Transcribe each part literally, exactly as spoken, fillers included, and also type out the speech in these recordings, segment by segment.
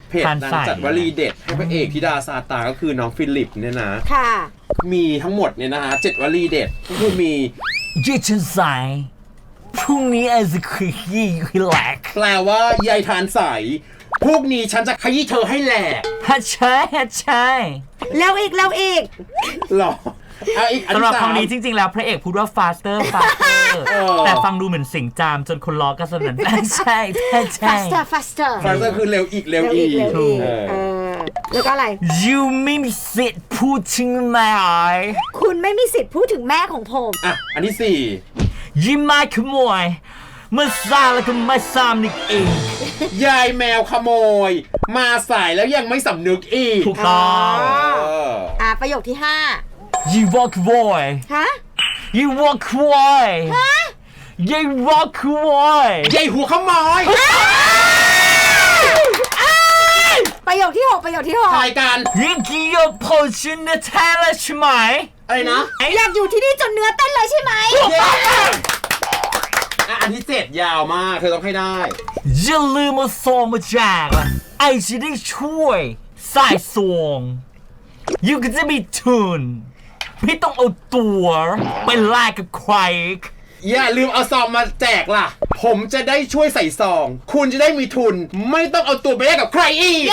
เพจนางจัดวลีเด็ดให้พระเอกธิดาซาตาก็คือน้องฟิลิปเนี่ยนะค่ะมีทั้งหมดเนี่ยนะฮะเจ็ดวลีเด็ดก็คือมียืดฉันใส่พรุ่งนี้ไอ้จะขยี้ให้แหลกแปลว่ายายทานใสพวกนี้ฉันจะขยี้เธอให้แหลกฮัชชัยฮัชชัยแล้วอีกแล้วอีกหรอสำหรับคำนี้จริงๆแล้วพระเอกพูดว่า faster faster แต่ฟังดูเหมือนเสียงจามจนคนล้อก็สนั่นใช่ใช่ faster faster faster คือเร็วอีกเร็วอีกแล้วก็อะไร you ไม่มีสิทธิ์พูดถึงแม่คุณไม่มีสิทธิ์พูดถึงแม่ของผมอ่ะอันที่สี่ยิ้มมาขโมยเมื่อซาแล้วก็ไม่ซ้ำนึกอีกยายแมวขโมยมาสายแล้วยังไม่สำนึกอีกถูกต้องอ่ะประโยคที่ห้า You walk boy ฮะ You walk boy ฮะ You walk boy ยายหัวขโมยประโยคที่หกประโยคที่หกถ่ายกันยิ่งกี่ยกโพชินแท้แล้วใช่ไหมอะไรนะอยากอยู่ที่นี่จนเนื้อเต้นเลยใช่ไหมอันที่เจ็ดยาวมากเธอต้องให้ได้อย่าลืมมาโซมมาแจกไอจะได้ช่วยสายสวงยูก็จะมีทุนไม่ต้องเอาตัวไปแลกกับใครอย่าลืมเอาซองมาแจกล่ะผมจะได้ช่วยใส่ซองคุณจะได้มีทุนไม่ต้องเอาตัวไปแลกกับใครอีก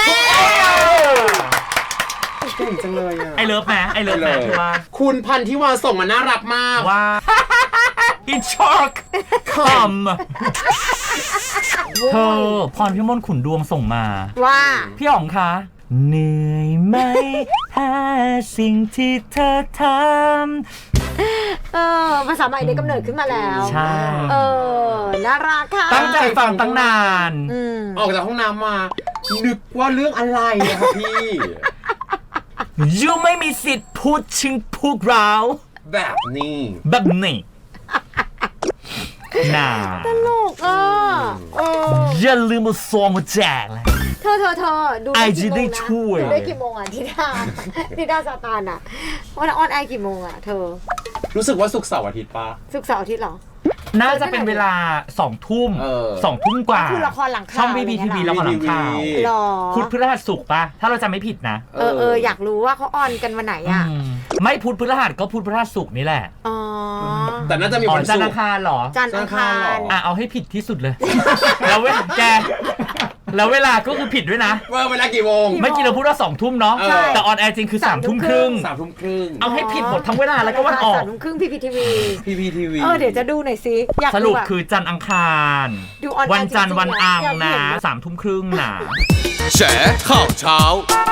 เก่งจังเลยอ่ะไอเลิฟไหมไอเลิฟไหมคือว่าคุณพันธิวาส่งมาน่ารักมากว่าอินช็อกคำเธอพรพิมลขุนดวงส่งมาว่าพี่อ๋องคะเหนื่อยไหมถ้าสิ่งที่เธอทำเออภาษาใหม่ได้กำเนิดขึ้นมาแล้วใช่เออน่ารักค่ะตั้งใจฟังตั้งนานออกจากห้องน้ำมานึกว่าเรื่องอะไรอะครับพี่ยูไม่มีสิทธิ์พูดถึงพวกเราแบบนี้แบบนี้น่าตลกอ่ะอย่าลืมมาซองมาแจกเลยเธอเธอเธอดูได้กี่โมงนะดูได้กี่โมงอ่ะทิดาทิดาซาตานอ่ะวันออนไอกี่โมงอ่ะเธอรู้สึกว่าศุกร์เสาร์อาทิตย์ปะศุกร์เสาร์อาทิตย์หรอน่าจะเป็นเวลาสองทุ่มสองทุ่มกว่าคือละครหลังข่าวช่องบีบีทีวีละครหลังข่าวพุธพฤหัสศุกร์ปะถ้าเราจำไม่ผิดนะเออเอออยากรู้ว่าเขาออนกันวันไหนอ่ะไม่พุธพฤหัสก็พุธพฤหัสศุกร์นี่แหละอ๋อแต่น่าจะมีวันศุกร์จันทร์อังคารหรอจันทร์อังคารอ่ะเอาให้ผิดที่สุดเลยแล้วเว้ยแกแล้วเวลาก็คือผิดด้วยนะว่าเวลากี่โมงไม่กี่เราพูดว่าสองทุ่มเนาะแต่ออนแอร์จริงคือสามทุ่มครึ่งสามทุ่มครึ่งเอาให้ผิดหมดทั้งเวลาแล้วก็วันออกสามทุ่มครึ่งพีพีทีวีพีพีทีวีเออเดี๋ยวจะดูหน่อยสิสรุปคือจันทร์อังคารวันจันทร์วันอังนะสามทุ่มครึ่งนะแฉข่าวเช้า